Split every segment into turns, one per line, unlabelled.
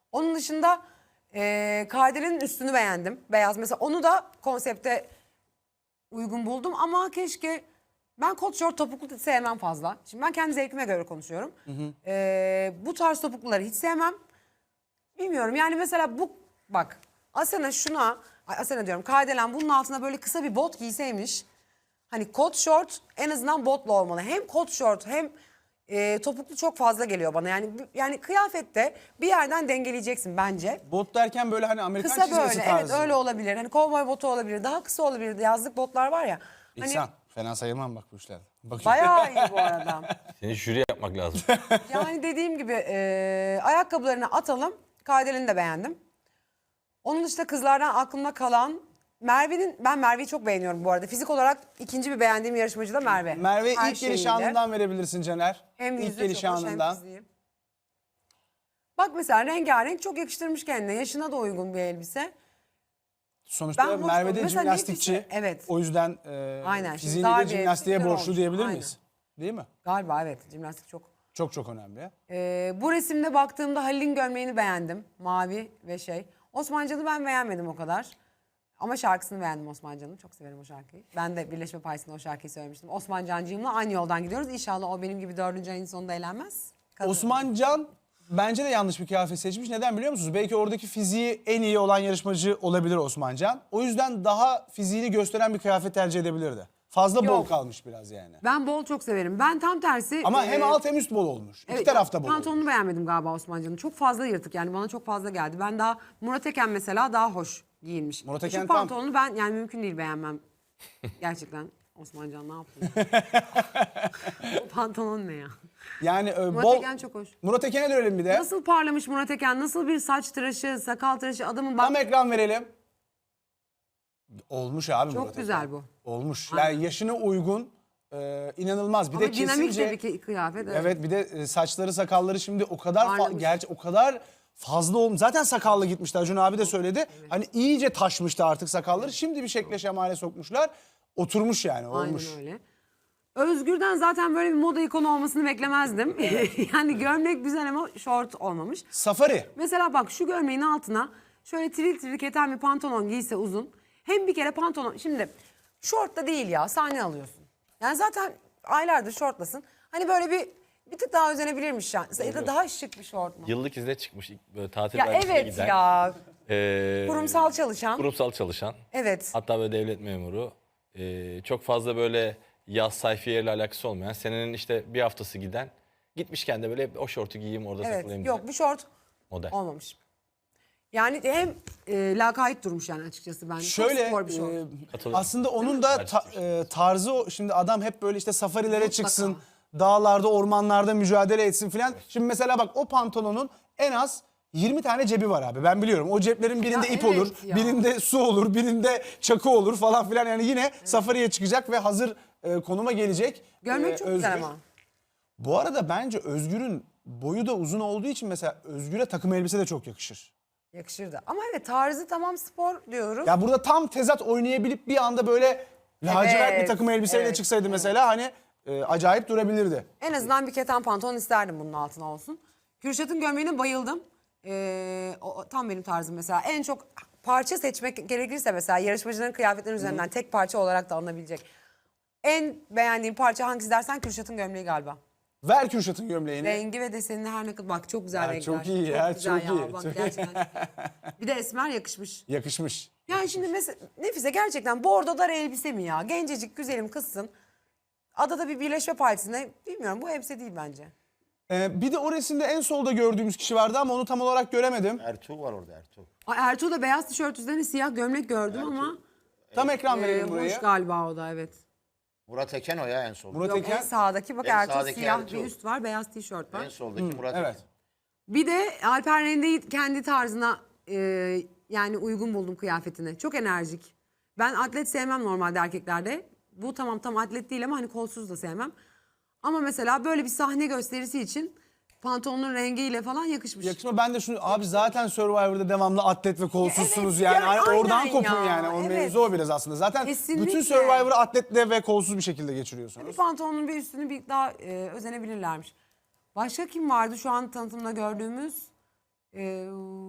Onun dışında Kardele'nin üstünü beğendim. Beyaz mesela, onu da konsepte uygun buldum ama keşke, ben kot şort topuklu sevmem fazla. Şimdi ben kendi zevkime göre konuşuyorum. Bu tarz topukluları hiç sevmem. Bilmiyorum yani, mesela bu bak Asena Asena diyorum, Kardelen bunun altına böyle kısa bir bot giyseymiş. Hani kot şort en azından botla olmalı. Hem kot şort hem topuklu çok fazla geliyor bana. Yani kıyafette bir yerden dengeleyeceksin bence.
Bot derken böyle hani Amerikan
Kısa
çizgisi
böyle,
tarzı.
evet öyle olabilir. Hani kovboy botu olabilir, daha kısa olabilir. Yazlık botlar var ya. Hani
İhsan, fena sayılmam bak bu işlerde. Bakayım.
bayağı iyi bu arada.
Seni jüri yapmak lazım.
Yani dediğim gibi ayakkabılarını atalım. Kardelen'i de beğendim. Onun dışında kızlardan aklımda kalan ben Merve'yi çok beğeniyorum bu arada. Fizik olarak ikinci bir beğendiğim yarışmacı da Merve.
Merve
Her
ilk geliş
şeyiyle.
anından verebilirsin Caner.
Hem
İlk
yüzü
geliş
çok hoş, hem
anından.
fiziği. Bak mesela rengarenk, çok yakıştırmış kendine. Yaşına da uygun bir elbise.
Sonuçta
Ben hoş
Merve de
buldum. Mesela
jimnastikçi.
nefisi- evet.
O yüzden
Aynen, şimdi
fiziğini
dar
de
bir
jimnastiğe
elbise
borçlu
olmuş.
diyebilir
Aynen.
miyiz? Değil mi?
Galiba evet, jimnastik çok.
Çok önemli.
Bu resimde baktığımda Halil'in gömleğini beğendim. Mavi ve şey. Osmancan'ı ben beğenmedim o kadar. Ama şarkısını beğendim Osmancan'ın. Çok severim o şarkıyı. Ben de Birleşme Partisi'nde o şarkıyı söylemiştim. Osman Cancığımla aynı yoldan gidiyoruz. İnşallah o benim gibi 4. ayın sonunda eğlenmez. Kadın.
Osman Can bence de yanlış bir kıyafet seçmiş. Neden biliyor musunuz? Belki oradaki fiziği en iyi olan yarışmacı olabilir Osman Can. O yüzden daha fiziğini gösteren bir kıyafet tercih edebilirdi. Fazla bol
Yok.
kalmış biraz yani.
Ben bol çok severim. Ben tam tersi...
Ama hem alt hem üst bol olmuş. İki tarafta bol olmuş.
Pantolonunu beğenmedim galiba Osmancan'ın. Çok fazla yırtık yani, bana çok fazla geldi. Ben daha Murat Eken mesela daha hoş giyinmiş.
Murat Eken
Şu
tam-
pantolonu ben yani mümkün değil beğenmem. Gerçekten Osmancan ne yaptın? O pantolon ne ya?
Yani
Murat
bol...
Eken çok hoş.
Murat Eken'e dönelim bir de.
Nasıl parlamış Murat Eken? Nasıl bir saç tıraşı, sakal tıraşı, adamın bak.
Tam ekran verelim. Olmuş abi
Çok
Murat
güzel
Eken.
bu.
Olmuş.
Aynen.
Yani yaşına uygun, inanılmaz. Bir
Ama
de
dinamik
kesince...
de bir kıyafet. Evet.
Evet, bir de saçları sakalları şimdi o kadar
Parlamış.
gerçi o kadar fazla olmuş. Zaten sakallı gitmişti. Acun abi de söyledi. Hani iyice taşmıştı artık sakalları. Şimdi bir şekle şemale sokmuşlar. Oturmuş yani, olmuş.
Aynen öyle. Özgür'den zaten böyle bir moda ikonu olmasını beklemezdim. Yani gömlek güzel ama şort olmamış.
Safari.
Mesela bak şu gömleğin altına şöyle tril tril keten bir pantolon giyse uzun. Hem bir kere pantolon, şimdi şort da değil ya, sahne alıyorsun. Yani zaten aylardır şortlasın. Hani böyle bir tık daha özenebilirmiş yani. Ya da daha şık bir şort mu?
Yıllık izne çıkmış ilk böyle tatil
Ya
belgesine
evet
giden.
ya.
Ee,
Kurumsal çalışan.
Kurumsal çalışan.
Evet.
Hatta böyle devlet memuru. Çok fazla böyle yaz sayfiyeyle alakası olmayan. Senenin işte bir haftası giden. Gitmişken de böyle o şortu giyeyim orada
Evet.
takılayım
Yok,
diye.
bu şort
Model.
olmamış. Yani hem lakayt durmuş yani açıkçası bence. Çok
Şöyle
spor bir şort.
Katılıyorum.
aslında onun da tarzı o. Şimdi adam hep böyle işte safarilere
Mutlaka.
çıksın. Dağlarda, ormanlarda mücadele etsin filan. Şimdi mesela bak, o pantolonun en az 20 tane cebi var abi. Ben biliyorum. O ceplerin birinde
Ya
ip
evet
olur,
ya.
birinde su olur, birinde çakı olur falan filan. Yani yine safariye çıkacak ve hazır konuma gelecek.
Gömlek çok güzel
Özgür.
ama.
Bu arada bence Özgür'ün boyu da uzun olduğu için mesela Özgür'e takım elbise de çok yakışır.
Yakışırdı. Ama evet, tarzı tamam spor diyoruz.
Ya burada tam tezat oynayabilip bir anda böyle lacivert bir
Evet,
takım elbiseyle
evet,
çıksaydı mesela hani acayip durabilirdi.
En azından bir keten pantolon isterdim bunun altına olsun. Kürşat'ın gömleğine bayıldım. O tam benim tarzım mesela. En çok parça seçmek gerekirse mesela yarışmacıların kıyafetlerinin üzerinden tek parça olarak da alınabilecek. En beğendiğim parça hangisi dersen Kürşat'ın gömleği galiba.
Ver Kürşat'ın gömleğini.
Rengi ve desenini her ne kadar... Bak çok güzel
Ya
renkler.
çok iyi ya,
güzel
çok iyi.
Bak,
Çok-
gerçekten çok iyi. Bir de esmer yakışmış.
Yakışmış.
Yani şimdi mesela Nefise gerçekten bordo dar elbise mi ya? Gencecik güzelim kızsın. Adada bir Birleşme Partisi'nde, bilmiyorum, bu elbise değil bence.
Bir de o resimde en solda gördüğümüz kişi vardı ama onu tam olarak göremedim.
Ertuğ var orada, Ertuğ.
Ertuğ'da beyaz tişört üzerine siyah gömlek gördüm ama
Tam ekran verelim burayı.
hoş galiba o da, evet.
Murat Eken o ya en solda.
Murat
Yok,
Eken.
en sağdaki bak,
En
Ertuğ
sağdaki
siyah
Ertuğ.
bir üst var, beyaz tişört var.
En soldaki Murat
Evet.
Eken.
Bir de Alper Rende'yi kendi tarzına yani uygun buldum kıyafetine. Çok enerjik. Ben atlet sevmem normalde erkeklerde. Bu tam atlet değil ama hani kolsuz da sevmem. Ama mesela böyle bir sahne gösterisi için pantolonun rengiyle falan yakışmış.
Yakışma, ben de şunu abi, zaten Survivor'da devamlı atlet ve kolsuzsunuz
Evet,
yani.
ya,
Hani oradan
aynen
kopun
ya,
yani. O
evet.
mevzu o biraz aslında. Zaten
Kesinlikle.
bütün Survivor'ı atletle ve kolsuz bir şekilde
Bir
geçiriyorsunuz.
pantolonun bir üstünü bir daha özenebilirlermiş. Başka kim vardı şu an tanıtımda gördüğümüz?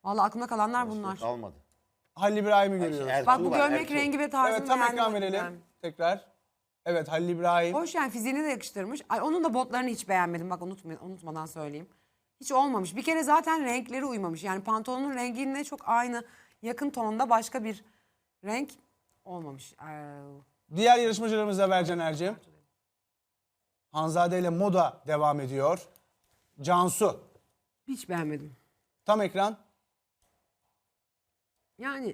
Vallahi aklımda kalanlar bunlar.
Kalmadı.
Halil İbrahim'i görüyoruz.
Ertuğ
Bak bu
var,
gömlek
Ertuğ.
rengi ve tarzını
Evet, tam
beğendim
ekran
o yüzden.
verelim tekrar. Evet, Halil İbrahim.
Hoş yani fiziğini de yakıştırmış. Ay, onun da botlarını hiç beğenmedim. Bak unutmadan söyleyeyim. Hiç olmamış. Bir kere zaten renkleri uymamış. Yani pantolonun rengiyle çok aynı yakın tonda başka bir renk olmamış.
Diğer yarışmacılarımız da Bercan Ercim. Hanzade ile Moda devam ediyor. Cansu.
Hiç beğenmedim.
Tam ekran.
Yani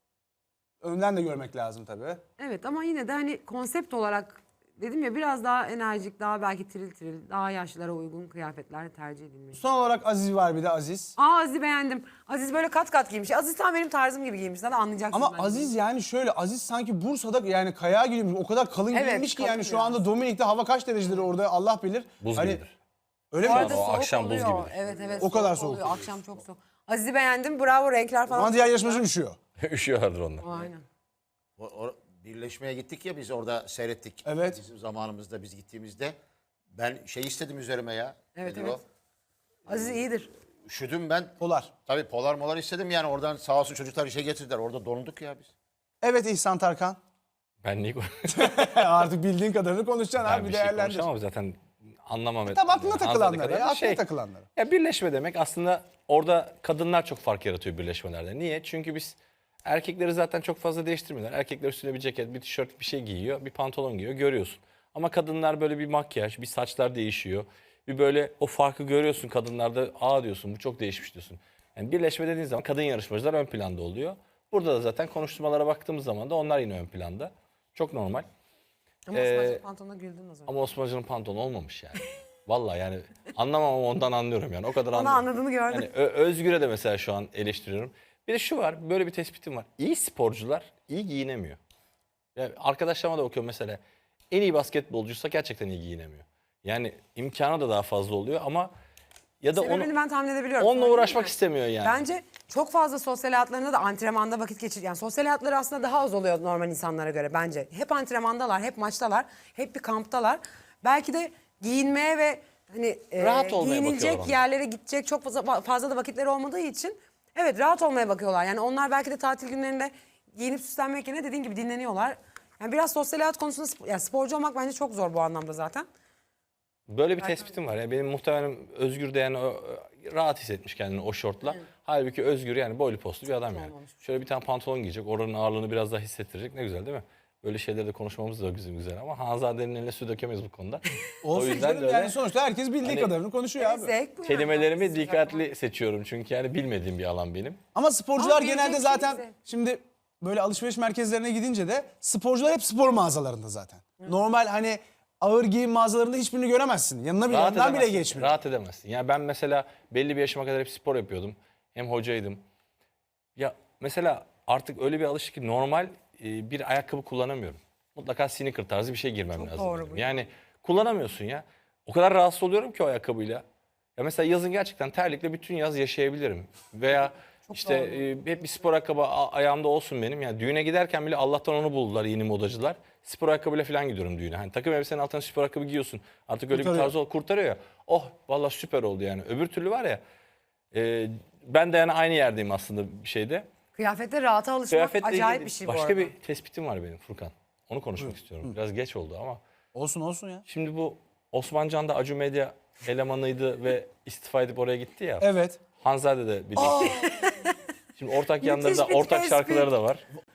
Önden de görmek lazım tabii.
evet ama yine de hani konsept olarak dedim ya biraz daha enerjik, daha belki tiril tiril, daha yaşlılara uygun kıyafetler tercih edilmiş.
Son olarak Aziz var bir de Aziz.
Aziz'i beğendim. Aziz böyle kat kat giymiş. Aziz tam benim tarzım gibi giymiş. Zaten anlayacaksınız.
Ama
bence.
Aziz yani şöyle, Aziz sanki Bursa'da yani kayağa giymiş. O kadar kalın
Evet,
giymiş ki
kalın
yani şu
biraz.
anda Dominik'te hava kaç derecedir orada Allah bilir.
Buz
Hani,
gibidir.
öyle
Bu
mi?
arada
O
soğuk
akşam buz
oluyor.
gibidir.
Evet evet.
O kadar
soğuk
soğuk.
oluyor. Akşam çok soğuk. Aziz'i beğendim. Bravo renkler falan.
Ama diğer yarışmacı üşüyor.
Üşüyorlardır onlar.
Aynen.
Birleşmeye gittik ya biz orada seyrettik.
Evet.
Bizim zamanımızda biz gittiğimizde ben şey istedim üzerime ya.
Evet,
Nedir
evet.
o?
Aziz iyidir.
Üşüdüm ben.
Polar.
Tabii polar molar istedim yani oradan sağ olsun çocuklar işe getirdiler. Orada donduk ya biz.
Evet İhsan Tarkan.
Ben niye
Artık bildiğin kadarını konuşacaksın
Ben
abi,
bir şey
değerlendir.
konuşamam zaten anlamam.
Tam aklına
etmem.
takılanları
Hanzade
ya,
kadar
aklına takılanları.
Ya birleşme demek aslında orada kadınlar çok fark yaratıyor birleşmelerde. Niye? Çünkü biz erkekleri zaten çok fazla değiştirmiyorlar. Erkekler üstüne bir ceket, bir tişört, bir şey giyiyor, bir pantolon giyiyor, görüyorsun. Ama kadınlar böyle bir makyaj, bir saçlar değişiyor. Bir böyle o farkı görüyorsun kadınlarda, aa diyorsun bu çok değişmiş diyorsun. Yani birleşme dediğin zaman kadın yarışmacılar ön planda oluyor. Burada da zaten konuşmalara baktığımız zaman da onlar yine ön planda. Çok normal.
Ama Osman'cığım pantolonuna güldün o zaman.
Ama Osmanlıcının pantolonu olmamış yani. Vallahi yani anlamam ama ondan anlıyorum yani. O kadar
Onu
anlıyorum.
anladığını gördüm.
Yani Özgür'e de mesela şu an eleştiriyorum. Bir de şu var, böyle bir tespitim var. İyi sporcular iyi giyinemiyor. Yani arkadaşlarıma da bakıyorum mesela. En iyi basketbolcuysa gerçekten iyi giyinemiyor. Yani imkanı da daha fazla oluyor ama ya da
Sebebini ben tahmin edebiliyorum.
onunla
Söyleyeyim
uğraşmak
mi?
istemiyor yani.
Bence çok fazla sosyal hayatlarında da antrenmanda vakit geçir. Yani sosyal hayatları aslında daha az oluyor normal insanlara göre bence. Hep antrenmandalar, hep maçtalar, hep bir kamptalar. Belki de giyinmeye ve hani
Rahat olmaya
giyinilecek
bakıyorlar onlar.
yerlere gidecek çok fazla da vakitleri olmadığı için evet rahat olmaya bakıyorlar. Yani onlar belki de tatil günlerinde giyinip süslenmek yerine dediğin gibi dinleniyorlar. Yani biraz sosyal hayat konusunda yani sporcu olmak bence çok zor bu anlamda zaten.
Böyle bir tespitim var. Yani benim muhtemelen Özgür de yani rahat hissetmiş kendini o şortla. Halbuki Özgür yani boylu postlu bir adam yani. Şöyle bir tane pantolon giyecek, oranın ağırlığını biraz daha hissettirecek. Ne güzel değil mi? Böyle şeyleri de konuşmamız da güzel ama Hanzade'nin eline su dökemeyiz bu konuda.
Olsun canım,
öyle
yani sonuçta herkes bildiği
Hani-
kadarını konuşuyor abi.
Zevk bu yani.
kelimelerimi dikkatli seçiyorum çünkü yani bilmediğim bir alan benim.
Ama sporcular
Ama
genelde
bilecek
zaten
şeyse.
şimdi böyle alışveriş merkezlerine gidince de sporcular hep spor mağazalarında zaten. Normal hani ağır giyim mağazalarında hiçbirini göremezsin. Yanına bile, yanından bile
edemezsin,
geçmiyor.
Rahat edemezsin. Yani ben mesela belli bir yaşıma kadar hep spor yapıyordum. Hem hocaydım. Ya mesela artık öyle bir alışık ki normal bir ayakkabı kullanamıyorum. Mutlaka sneaker tarzı bir şey girmem lazım.
doğru
benim.
bu.
Yani kullanamıyorsun ya. O kadar rahatsız oluyorum ki o ayakkabıyla. Ya mesela yazın gerçekten terlikle bütün yaz yaşayabilirim. Veya işte hep bir spor ayakkabı ayağımda olsun benim. Yani düğüne giderken bile Allah'tan onu buldular yeni modacılar. Spor ayakkabıyla falan gidiyorum düğüne. Hani takım elbisenin altına spor ayakkabı giyiyorsun. Artık öyle bir
Kurtarıyor.
tarz kurtarıyor ya. Oh vallahi süper oldu yani. Öbür türlü var ya. Ben de yani aynı yerdeyim aslında bir şeyde.
Kıyafette rahata alışmak
Kıyafetle
acayip
ilgili
bir şey bu
başka
arada.
bir tespitim var benim Furkan. Onu konuşmak istiyorum. Biraz geç oldu ama.
Olsun ya.
Şimdi bu Osmancan da Acu Medya elemanıydı ve istifa edip oraya gitti ya.
Evet.
Hanzade de biliyorsun. Şimdi ortak yanlarında
bir
ortak
tespit.
şarkıları da var.